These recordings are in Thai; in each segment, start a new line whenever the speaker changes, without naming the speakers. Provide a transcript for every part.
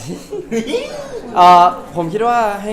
ผมคิดว่าให้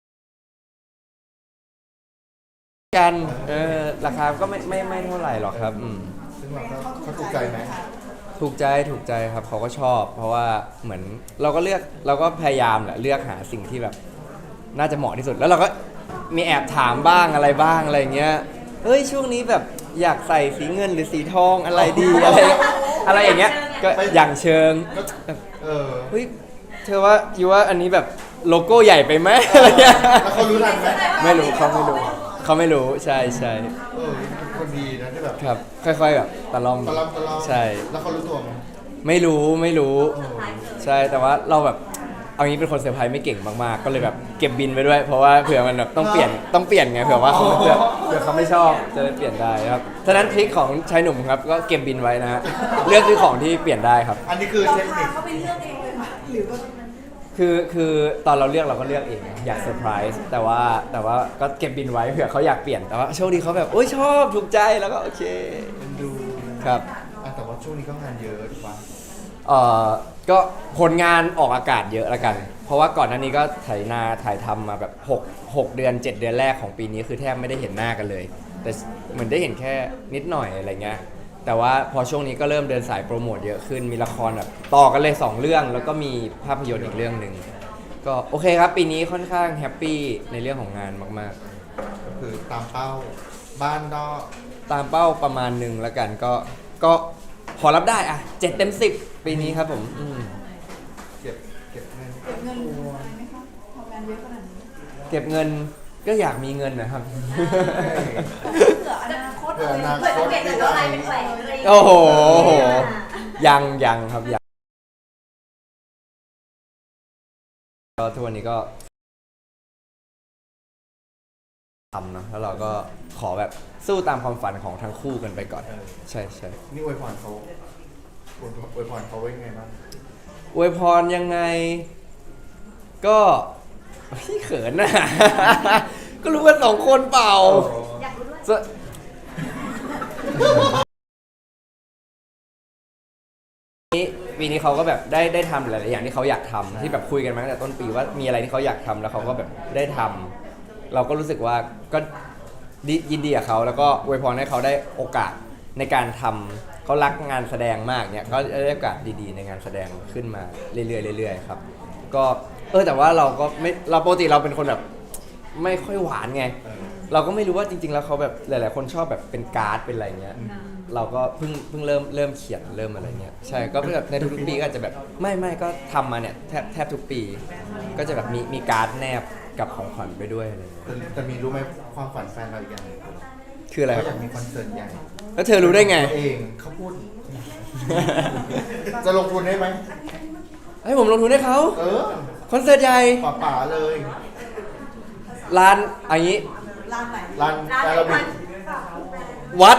กันราคาก็ไม่เท่าไหร่หรอกครับ
ซึ่งเราก็เขาถูกใจไหม
ถูกใจครับเขาก็ชอบเพราะว่าเหมือนเราก็พยายามแหละเลือกหาสิ่งที่แบบน่าจะเหมาะที่สุดแล้วเราก็มีแอบถามบ้างอะไรบ้างอะไรเงี้ยเฮ้ยช่วงนี้แบบอยากใส่สีเงินหรือสีทองอะไรดีอะไรอย่างเงี้ยก็อย่างเชิงเฮ้ยเธอว่าอยู่ว่าอันนี้แบบโลโก้ใหญ่ไปไหมอะไรเงี้ย
แล้วเขารู้ทันไหม
ไม่รู้เขาไม่รู้ใช่
คนดีนะที่แบบ
ครับค่อยๆแบบตะล่อมใช่
แล้วเขารู้ตัวไหม
ไม่รู้ใช่แต่ว่าเราแบบเอางี้เป็นคนเซอร์ไพรส์ไม่เก่งมากๆก็เลยแบบเก็บบินไปด้วยเพราะว่าเผื่อมันแบบต้องเปลี่ยนไงเผื่อว่าเขาเผื่อเขาไม่ชอบจะได้เปลี่ยนได้ครับฉะนั้นทริคของชายหนุ่มครับก็เก็บบินไว้นะฮะเลือกซื้อของที่เปลี่ยนได้ครับ
อันนี้คือเทคนิค
เขาไปเลือกเองเลยค่ะหรือว่า
คือตอนเราเลือกเราก็เลือกเองอยากเซอร์ไพรส์แต่ว่าก็เก็บบินไว้เผื่อเขาอยากเปลี่ยนแต่ว่าโชคดีเขาแบบโอ้ยชอบถูกใจแล้วก็โอเค
ดู
ครับ
แต่ว่าช่วงนี้ก็งานเยอะถูกปะ
ก็ผลงานออกอากาศเยอะละกันเพราะว่าก่อนหน้านี้ก็ถ่ายทำมาแบบ6เดือน7เดือนแรกของปีนี้คือแทบไม่ได้เห็นหน้ากันเลยแต่เหมือนได้เห็นแค่นิดหน่อยอะไรเงี้ยแต่ว่าพอช่วงนี้ก็เริ่มเดินสายโปรโมทเยอะขึ้นมีละครแบบต่อกันเลย2เรื่องแล้วก็มีภาพยนตร์อีกเรื่องหนึ่งก็โอเคครับปีนี้ค่อนข้างแฮปปี้ในเรื่องของงานมาก
ๆก็คือตามเป้าบ้านก็
ตามเป้าประมาณหนึ่งแล้วกันก็พอรับได้อ่ะ7 เต็ม 10ปีนี้ครับผม
เก็บเงิน
อะไรไหมคะทำงานเยอะขนาดนี้
เก็บเงินก็อยากมีเงินนะครับ
เผื่ออนาคตเผื่อจะเปลี่ยนจากอะไรเป็นแหวนอะไร
โอ้โหยังครับยังก็ทุกวันนี้ก็ทำนะแล้วเราก็ขอแบบสู้ตามความฝันของทั้งคู่กันไปก่อนใช่
นี่อวยพรเขาไว้ไงบ้าง
อวยพรยังไงก็พี่เขินนะก็รู้กัน2 คนเปล่า
อยากรู้ด้วย
ปีนี้เขาก็แบบได้ทำหลายๆอย่างที่เขาอยากทำที่แบบคุยกันมาตั้งแต่ต้นปีว่ามีอะไรที่เขาอยากทำแล้วเขาก็แบบได้ทำเราก็รู้สึกว่าก็ยินดีกับเขาแล้วก็อวยพรให้เขาได้โอกาสในการทำเขารักงานแสดงมากเนี่ยเขาได้โอกาสดีๆในงานแสดงขึ้นมาเรื่อยๆครับก็แต่ว่าเราก็ไม่เราปกติเราเป็นคนแบบไม่ค่อยหวานไงเราก็ไม่รู้ว่าจริงๆแล้วเขาแบบหลายๆคนชอบแบบเป็นการ์ดเป็นอะไรเงี้ยเราก็เพิ่งเริ่มเขียนเริ่มอะไรเงี้ยใช่ก็แบบในทุกๆปีก็อาจจะแบบไม่ก็ทำมาเนี่ยแทบทุกปีก็จะแบบมีการ์ดแนบกับของขวัญไปด้วยอะไรเงี้ย
แต่มีรู้ไหมความฝันแฟนเราอีกอย่างนึง
คืออะไร
เขาอยากมีคอนเสิร์ตใหญ่
แล้วเธอรู้ได้ไง
เองเขาพูดจะลงทุนได้ไหม
ให้ผมลงทุนให้เขาคอนเสิร์ตใหญ่
ป่าเลย
ร้านอันนี้
ร้านไหน
ร้านแอโรบิก
วัด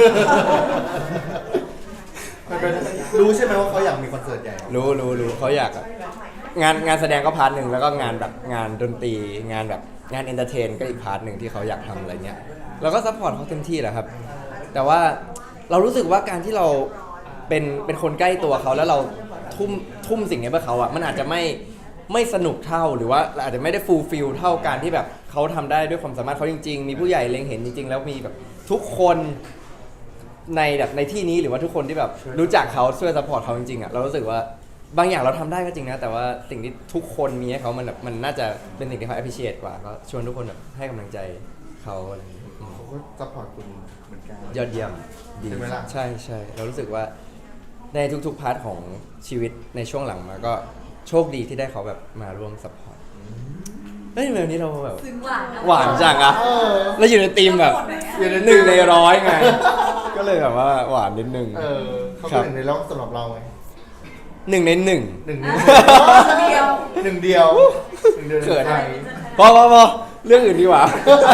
รู้ใช่ไหมว่าเขาอยากมีคอนเสิร์ตใหญ่
รู้เขาอยากงานแสดงก็พาร์ทหนึ่งแล้วก็งานแบบงานดนตรีงานแบบงานเอนเตอร์เทนก็อีกพาร์ทหนึ่งที่เขาอยากทำอะไรเงี้ยเราก็ซัพพอร์ตเขาเต็มที่แหละครับแต่ว่าเรารู้สึกว่าการที่เราเป็นคนใกล้ตัวเขาแล้วเราทุ่มสิ่งนี้เพื่อเขาอ่ะมันอาจจะไม่สนุกเท่าหรือว่าอาจจะไม่ได้ฟูลฟิลเท่าการที่แบบเขาทำได้ด้วยความสามารถเขาจริงๆมีผู้ใหญ่เล็งเห็นจริงๆแล้วมีแบบทุกคนในที่นี้หรือว่าทุกคนที่แบบรู้จักเขาช่วยซัพพอร์ตเขาจริงๆอ่ะเรารู้สึกว่าบางอย่างเราทำได้ก็จริงนะแต่ว่าสิ่งที่ทุกคนมีให้เขามันน่าจะเป็นสิ่งที่เขา appreciate กว่าก็ชวนทุกคนแบบให้กำลังใจเขาอะไรอย่างเงี้ย
เขาก็ซัพพอร์ตคุณเหมือนกัน
ยอดเยี่ยมดีใช่เรารู้สึกว่าในทุกๆพาร์ทของชีวิตในช่วงหลังมาก็โชคดีที่ได้เขาแบบมาร่วมซัพพอร์ตแบบนี้เราแบบหวานจังอะแล้วอยู่ในทีมแบบ1 ใน 100ไงก็เลยแบบว่าหวานนิดนึง
เขาเป็น1 ใน 100สำหรับเราไง
1 ใน 1
1 เดียว
เขินพอเรื่องอื่นดีกว่า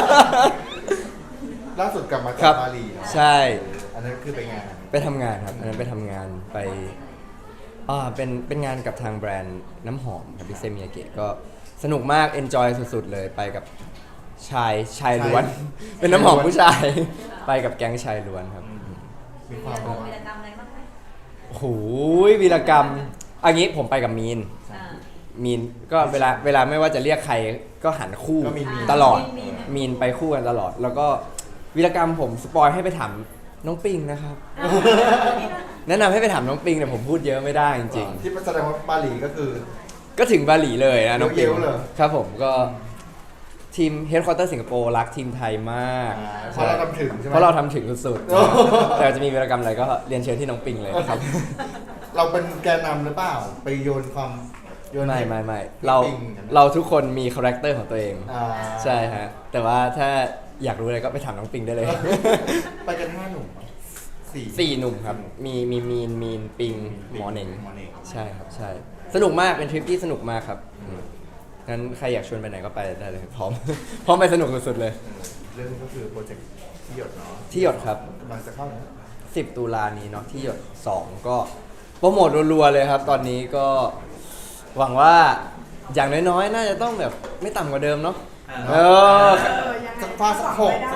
ล่าสุดกลับมาจากบาหลี
ใช่
อันนั้นคือไปงาน
ไปทำงานครับอันนั้นไปทำงานไปเป็นงานกับทางแบรนด์น้ำหอมครับพี่เซมิยาเกะก็สนุกมากเอนจอยสุดๆเลยไปกับชายล้วนเป็นน้ำหอมผู้ชายไปกับแก๊งชายล้วนครับ
มีความ
วีรกรรมอะไรบ้างไหม
โอ้โหวีรกรรมอันนี้ผมไปกับมีนมีนก็เวลาไม่ว่าจะเรียกใครก็หันคู่
ก็มีมีน
ตลอดมีนไปคู่กันตลอด แล้วก็วีรกรรมผมสปอยให้ไปถามน้องปิงนะครับ แนะนำให้ไปถามน้องปิงแต่ผมพูดเยอะไม่ได้จริง
ที่แสดงว่าบาหลีก็คือ
ๆ ก็ถึงบาหลีเลยนะน้องปิง
เยอะๆเลย
ครับผมก็ทีมเฮดค q u เตอร์สิงคโปร์รักทีมไทยมาก
เพราะเราทำถึงใช่ไหม
เพราะเราทำถึงสุด
โอ้
ๆแต่จะมีวีรกรรมอะไรก็เรียนเชิญที่น้องปิงเลยนะครับ
เราเป็นแกนนำหรือเปล่า ไปโยนความโยน
ไม่เรา
ปิงกันนะ
เราทุกคนมีคาแรคเตอร์ของตัวเอง
อ่า
ใช่ฮะแต่ว่าถ้าอยากรู้อะไรก็ไปถามน้องปิงได้เลย
ไปกัน5 หนุ่มสี่
สี่หนุ่มครับ มีมีนปิงหมอเหน่ง
หมอเหน่ง
ใช่ครับใช่ สนุกมากเป็นทริปที่สนุกมากครับงั้นใครอยากชวนไปไหนก็ไปได้เลยพร้อม พร้อมไปสนุกสุดๆเลย
เรื่องก็คือโปรเจกต์ที่หยดเนาะ
ที่หยดครับ
กำลังจะเข้าแล้ว
10 ตุลานี้เนาะที่หยด 2 ก็โปรโมทรัวๆเลยครับ ตอนนี้ก็หวังว่าอย่างน้อยๆ น่าจะต้องแบบไม่ต่ำกว่าเดิมเนาะเออ
สักฟาสัก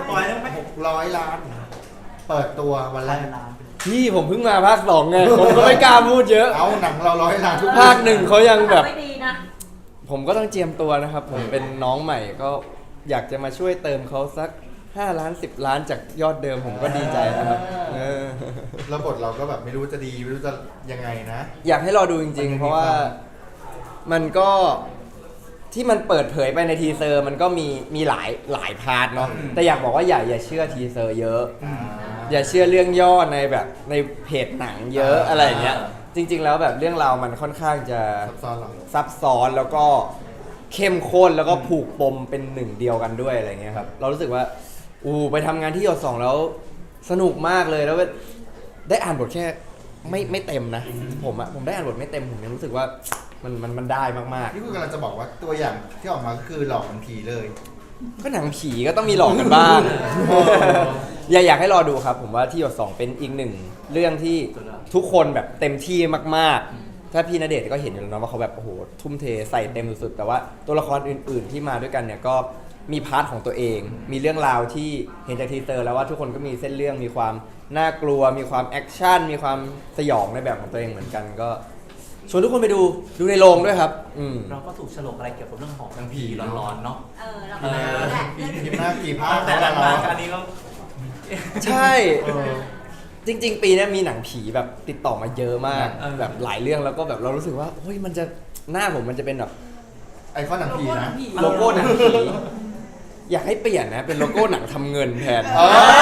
600 ล้าน เปิดตัววันแรก
พี่ผมเพิ่งมาภาค 2 ไง ผมก็ไม่กล้าพูดเยอะ
เอาหนังเรา100 ล้านทุก
ภาค 1เขายังแบบ
ไม่ดีนะ
ผมก็ต้องเจียมตัวนะครับ ผมเป็นน้องใหม่ก็อยากจะมาช่วยเติมเขาสัก 5 ล้าน 10 ล้านจากยอดเดิมผมก็ดีใจนะครับเออ
แล้วบทเราก็แบบไม่รู้จะดีไม่รู้จะยังไงนะ
อยากให้รอดูจริงๆ เพราะว่ามันก็ที่มันเปิดเผยไปในทีเซอร์ มันก็มีหลายพาร์ทเนาะแต่อยากบอกว่าอย่าเชื่อทีเซอร์เยอะ อย่าเชื่อเรื่องย่อในแบบในเพจหนังเยอะอะไรอย่างเงี้ยจริง ๆ แล้วแบบเรื่องราวมันค่อนข้างจะ
ซับซ้อนหรอ
ซับซ้อนแล้วก็เข้มข้นแล้วก็ผูกปมเป็นหนึ่งเดียวกันด้วยอะไรเงี้ยครับเรารู้สึกว่าไปทำงานที่หยด2แล้วสนุกมากเลยแล้วได้อ่านบทแค่ไม่เต็มนะผมได้อ่านบทไม่เต็มผมยังรู้สึกว่ามันได้มาก
นี่คือกำลังจะบอกว่าตัวอย่างที่ออกมาก็คือหลอกมันผีเลย
ๆก็หนังผีก็ต้องมีหลอกกันบ้าง อยากให้รอดูครับ ผมว่าที่หยด2เป็นอีกหนึ่งเรื่องที่ทุกคนแบบเต็มที่มากๆ ถ้าพี่ณเดชน์ก็เห็นอยู่แล้วนะว่าเขาแบบโอ้โหทุ่มเทใส่เต็มสุดๆแต่ว่าตัวละครอื่นๆที่มาด้วยกันเนี่ยก็มีพาร์ทของตัวเอง มีเรื่องราวที่เห็นจากทีเซอร์แล้วว่าทุกคนก็มีเส้นเรื่องมีความน่ากลัว มีความแอคชั่นมีความสยองในแบบของตัวเองเหมือนกันก็ชวนทุกคนไปดูในโรงด้วยครับ
เราก็ถูกฉลกอะไรเกี่ยวกับเรื่องของ
หนังผี
ร้อนๆเนาะ
เราก็แหละ
ผีมากผีภาค
แต่หลัง
เรา
ๆอันนี้ก็
ใช่
เออ
จริง ๆ ปีนี้มีหนังผีแบบติดต่อมาเยอะมาก
เออ
แบบหลายเรื่องแล้วก็แบบเรารู้สึกว่าเฮ้ยมันจะหน้าผมมันจะเป็นแบบ
ไอคอนหนังผีนะ
โลโก้หนังผีอยากให้เปลี่ยนนะเป็นโลโก้หนังทำเงินแทน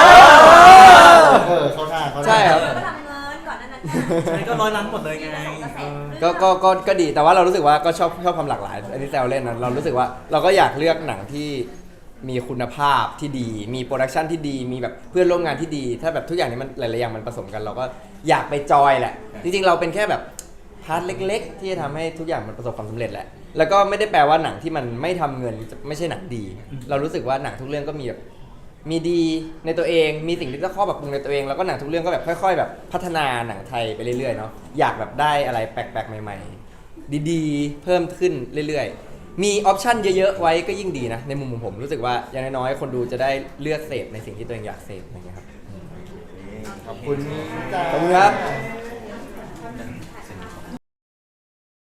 เข้าหน้าเข้าหน้า
ใช่ครับ
ก็ทำเงินก่อนนั้น
อันนี้ก็ร้อยล้านหมดเลยไง
ก็ดีแต่ว่าเรารู้สึกว่าก็ชอบความหลากหลายอันนี้แซวเล่นนะเรารู้สึกว่าเราก็อยากเลือกหนังที่มีคุณภาพที่ดี มีโปรดักชันที่ดีมีแบบเพื่อนร่วมงานที่ดี ถ้าแบบทุกอย่างนี้มันหลายๆอย่างมันผสมกัน เราก็อยากไปจอยแหละ จริงๆเราเป็นแค่แบบพาร์ทเล็ก ๆ ที่จะทำให้ทุกอย่างมันประสบความสำเร็จแหละแล้วก็ไม่ได้แปลว่าหนังที่มันไม่ทำเงินจะไม่ใช่หนังดี เรารู้สึกว่าหนังทุกเรื่องก็มีแบบมีดีในตัวเอง มีสิ่งที่ต้องข้อปรับปรุงในตัวเองแล้วก็หนังทุกเรื่องก็แบบค่อย ๆ แบบพัฒนาหนังไทยไปเรื่อยๆเนาะอยากแบบได้อะไรแปลกๆใหม่ๆ ดีๆ เพิ่มขึ้นเรื่อยๆ มีออปชันเยอะๆ ไว้ก็ยิ่งดีนะ ในมุมของผมรู้สึกว่าอย่างน้อยๆ คนดูจะได้เลือกเสพในสิ่งที่ตัวเองอยากเสพอะไรเงี้ยครับ
ขอบคุณจ้า
ขอบคุณครับ